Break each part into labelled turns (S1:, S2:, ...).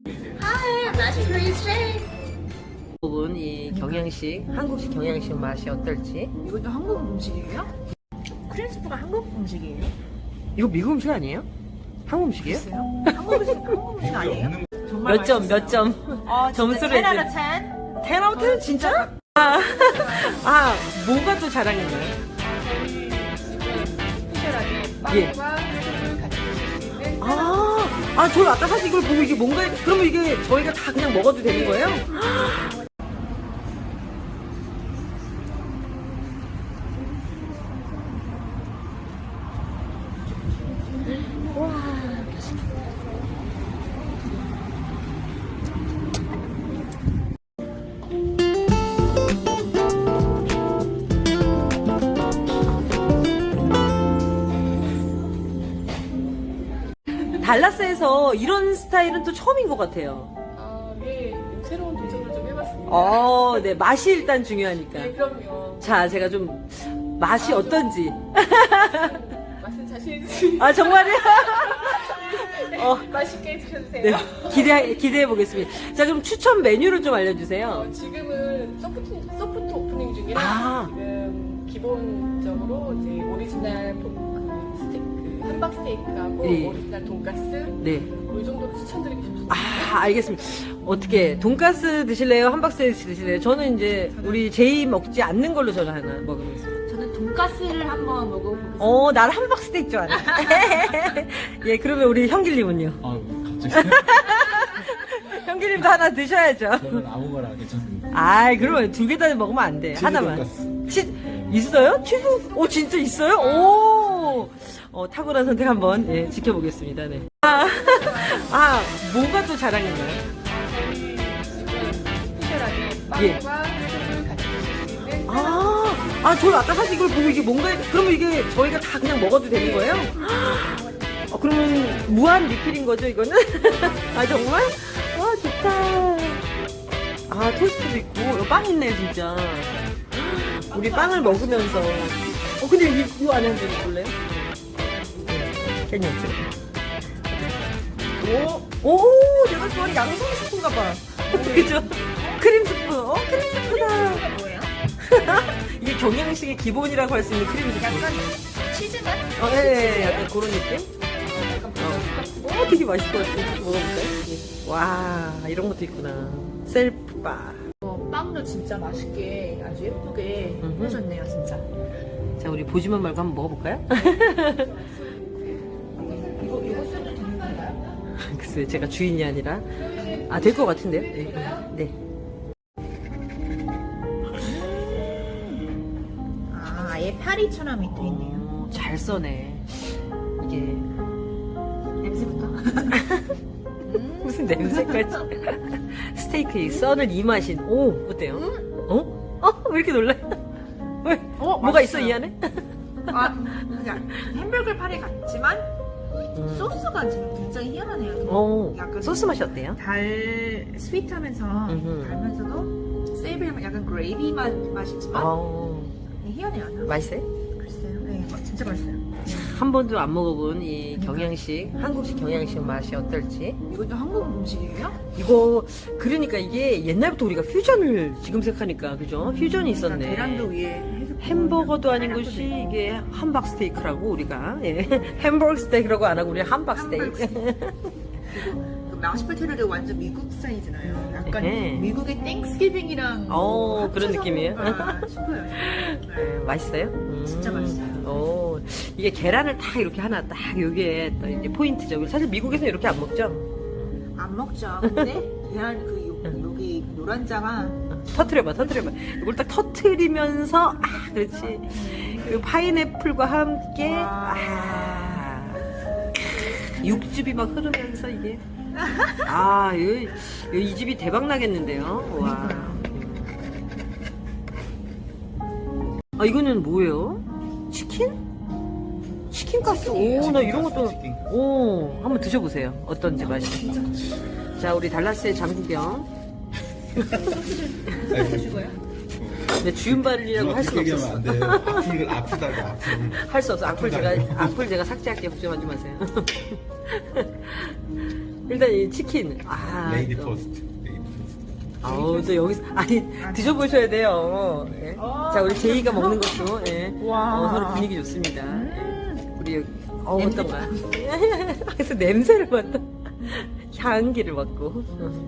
S1: Hi, I'm Nashi Korean Shake.
S2: 부분 이 경양식, 한국식 경양식 맛이 어떨지.
S1: 이것도 한국 음식이에요? 크림스프가 한국 음식이에요?
S2: 이거 미국 음식 아니에요? 한국 음식이에요?
S1: 글쎄요. 한국 음식 아니에요? 정말
S2: 몇 점,
S1: 맛있어요.
S2: 몇 점? 점수를
S1: 10 out of
S2: 해줘.
S1: 10?
S2: 10 out of 10 진짜? 뭐가 또 자랑인가요?
S1: 스페셜하게
S2: 예.
S1: 빵과 햄을 같이 드실 수 있는
S2: 저 아까 사실 이걸 보고 이게 뭔가, 그러면 이게 저희가 다 그냥 먹어도 되는 거예요? 달라스에서 이런 스타일은 또 처음인 것 같아요.
S1: 네. 새로운 도전을 좀 해봤습니다.
S2: 네. 맛이 일단 중요하니까.
S1: 네, 그럼요.
S2: 자, 제가 좀 맛이 어떤지.
S1: 맛은 자신 있으시죠?
S2: 정말요?
S1: 맛있게 드셔주세요.
S2: 네, 기대해 보겠습니다. 자, 그럼 추천 메뉴를 좀 알려주세요.
S1: 지금은 소프트 오프닝 중이라 지금 기본적으로 이제 오리지널 함박 스테이크하고
S2: 예.
S1: 오리지널 돈가스
S2: 네.
S1: 이 정도로 추천드리고 싶습니다.
S2: 알겠습니다. 어떻게, 돈가스 드실래요? 함박스테이크 드실래요? 저는 이제, 우리 제이 먹지 않는 걸로 저는 하나 먹으겠습니다.
S1: 저는 돈가스를 한번 먹어보겠습니다.
S2: 나는 함박스테이크 좋아하네. 예, 그러면 우리 형길님은요?
S3: 갑자기
S2: 형길님도 하나 드셔야죠.
S3: 저는 아무거나 괜찮습니다.
S2: 그러면 두 개 다 먹으면 안 돼.
S3: 치즈
S2: 하나만.
S3: 돈가스.
S2: 있어요? 치즈? 진짜 있어요? 탁월한 선택 한번, 지켜보겠습니다. 네. 뭐가 또 자랑인가요?
S1: 저희 지금 스페셜하게
S2: 예.
S1: 빵과 햄을 같이 드실 수 있는
S2: 저 아까 사실 이걸 보고 이게 뭔가, 그러면 이게 저희가 다 그냥 먹어도 되는 거예요? 그러면 무한 리필인 거죠, 이거는? 정말? 와, 좋다. 토스트도 있고, 이거 빵 있네, 진짜. 우리 빵을 먹으면서. 근데 이거 안에 한번 볼래요? 괜히 오, 내가 좋아하는 양송 스프인가 봐. 그죠? 크림 스프. 크림 스프다.
S1: 뭐예요?
S2: 이게 경양식의 기본이라고 할 수 있는 크림 스프.
S1: 약간 치즈 맛?
S2: 네, 약간 그런 느낌? 되게 맛있을 것 같아. 먹어볼까요? 예. 와, 이런 것도 있구나. 셀프바.
S1: 빵도 진짜 맛있게 아주 예쁘게 해줬네요, 진짜.
S2: 자, 우리 보지만 말고 한번 먹어볼까요?
S1: 이거 써도 되는 건가요?
S2: 글쎄, 제가 주인이 아니라. 될 것 같은데요? 네.
S1: 아예 파리처럼 또 있네요.
S2: 잘 써네. 이게.
S1: 냄새부터.
S2: 무슨 냄새까지. 스테이크에 썬을 이마신. 어때요? 왜 이렇게 놀라요? 왜? 뭐가 있어,
S1: 맛있어요.
S2: 이 안에?
S1: 그냥 햄버거 파리 같지만 소스가 지금 굉장히 희한하네요. 약간
S2: 소스 맛이 어때요?
S1: 스윗하면서
S2: 음흠.
S1: 달면서도 세이브하면 약간 그레이비 맛이지만 희한해요.
S2: 맛있어요?
S1: 글쎄요. 네, 진짜 맛있어요.
S2: 한 번도 안 먹어본 이 경양식, 한국식 경양식 맛이 어떨지.
S1: 이것도 한국 음식이에요?
S2: 이거, 그러니까 이게 옛날부터 우리가 퓨전을 지금 생각하니까, 그죠? 퓨전이 있었네.
S1: 계란도 위에
S2: 햄버거도 아닌 것이 이게 함박 스테이크라고 우리가. 햄버거 스테이크라고 안 하고 우리 함박 스테이크.
S1: 그리고 마시포테이토도 완전 미국 스타일이잖아요. 약간
S2: 에헤.
S1: 미국의 땡스기빙이랑
S2: 그런 느낌이에요?
S1: 싶어요.
S2: 맛있어요?
S1: 진짜 맛있어요.
S2: 이게 계란을 딱 이렇게 하나 딱 요게 또 이제 포인트죠. 사실 미국에서 이렇게 안 먹죠?
S1: 안 먹죠. 근데 계란 여기 노란자가
S2: 터트려봐. 이걸 딱 터트리면서, 그렇지. 그 파인애플과 함께, 육즙이 막 흐르면서 이게. 이 집이 대박 나겠는데요. 와. 이거는 뭐예요? 치킨? 치킨 가스. 나 이런 것도. 한번 드셔보세요. 어떤지 맛이. 자, 우리 달라스의 장구경. 네, 주윤발이라고 할 수는 없었어.
S3: 안 돼요. 아프다고
S2: 할 수 없어. 악플 제가 삭제할게요. 걱정하지 마세요. 일단 이 치킨. 아,
S3: 레이디
S2: 또.
S3: 퍼스트. 레이디 퍼스트.
S2: 아우, 또 여기서, 아니, 드셔보셔야 돼요. 예. 자, 우리 제이가 먹는 것도, 예.
S1: 와.
S2: 서로 분위기 좋습니다. 우리, 어떤가. 그래서 냄새를 맡다. 향기를 맡고.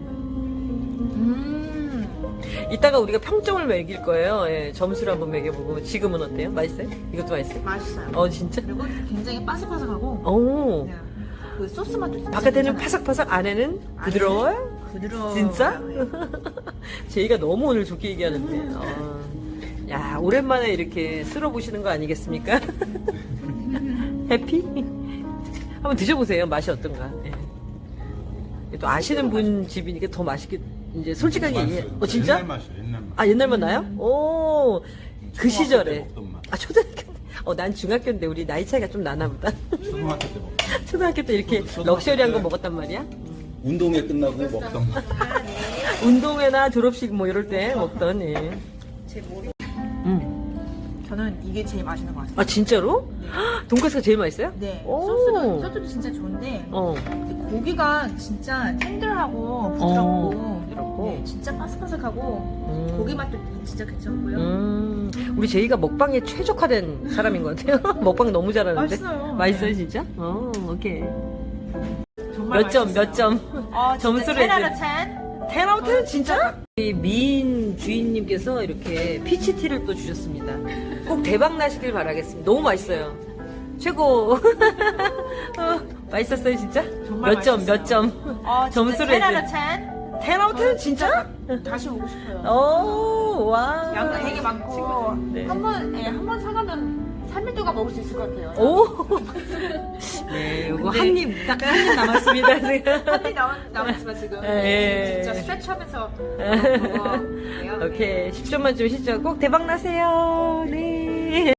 S2: 이따가 우리가 평점을 매길 거예요. 예, 점수를 한번 매겨보고. 지금은 어때요? 맛있어요? 이것도 맛있어요?
S1: 맛있어요.
S2: 진짜?
S1: 그리고 굉장히 바삭바삭하고
S2: 오.
S1: 그냥 그 소스 맛도 진짜
S2: 바깥에는
S1: 괜찮아요.
S2: 파삭파삭, 안에는 부드러워요?
S1: 부드러워.
S2: 진짜? 제이가 너무 오늘 좋게 얘기하는데. 야, 오랜만에 이렇게 쓸어보시는 거 아니겠습니까? 해피? 한번 드셔보세요. 맛이 어떤가. 예. 또 아시는 분 집이니까 더 맛있게, 이제 솔직하게 얘기해. 진짜?
S3: 옛날 맛이야, 옛날 맛.
S2: 아, 옛날 맛 나요? 오, 그
S3: 초등학교
S2: 시절에.
S3: 때 먹던 맛.
S2: 아, 초등학교 때. 난 중학교인데 우리 나이 차이가 좀 나나 보다.
S3: 초등학교 때 먹던
S2: 초등학교 때 이렇게
S3: 초등학교
S2: 럭셔리한 거
S3: 때.
S2: 먹었단 말이야?
S3: 운동회 끝나고 먹던 맛.
S2: 운동회나 졸업식 뭐 이럴 때 먹던, 예.
S1: 제 머리.
S2: 음.
S1: 저는 이게 제일 맛있는 것 같아요.
S2: 아, 진짜로? 돈가스가 제일 맛있어요?
S1: 네.
S2: 오.
S1: 소스도 진짜 좋은데
S2: 어.
S1: 고기가 진짜 텐들하고 부드럽고 네, 진짜 바삭바삭하고 고기 맛도 진짜 괜찮고요.
S2: 우리 제이가 먹방에 최적화된 사람인 것 같아요. 먹방 너무 잘하는데.
S1: 맛있어요.
S2: 맛있어요,
S1: 네.
S2: 진짜? 오케이.
S1: 정말
S2: 몇 점,
S1: 맛있어요.
S2: 몇 점? 점수를
S1: 10 out of
S2: 이제.
S1: 10.
S2: 10 아웃 10 진짜? 우리 미인 주인님께서 이렇게 피치티를 또 주셨습니다. 꼭 대박 나시길 바라겠습니다. 너무 맛있어요. 최고. 맛있었어요, 진짜?
S1: 정말
S2: 몇 점,
S1: 맛있었어요.
S2: 몇 점?
S1: 진짜
S2: 점수를
S1: 10 out
S2: 이제.
S1: of 10.
S2: 10 아웃 10 진짜?
S1: 다시 오고 싶어요.
S2: 오, 와.
S1: 양도 되게 많고
S2: 네.
S1: 한번 사가면 3일 동안 먹을 수 있을 것 같아요.
S2: 오. 네, 요거 한 입, 딱 한 입 남았습니다, 지금.
S1: 한입 남았지만 지금
S2: 예.
S1: 진짜 스트레치하면서 먹어요.
S2: 오케이. 10점 만점 10점 꼭 대박 나세요. 네.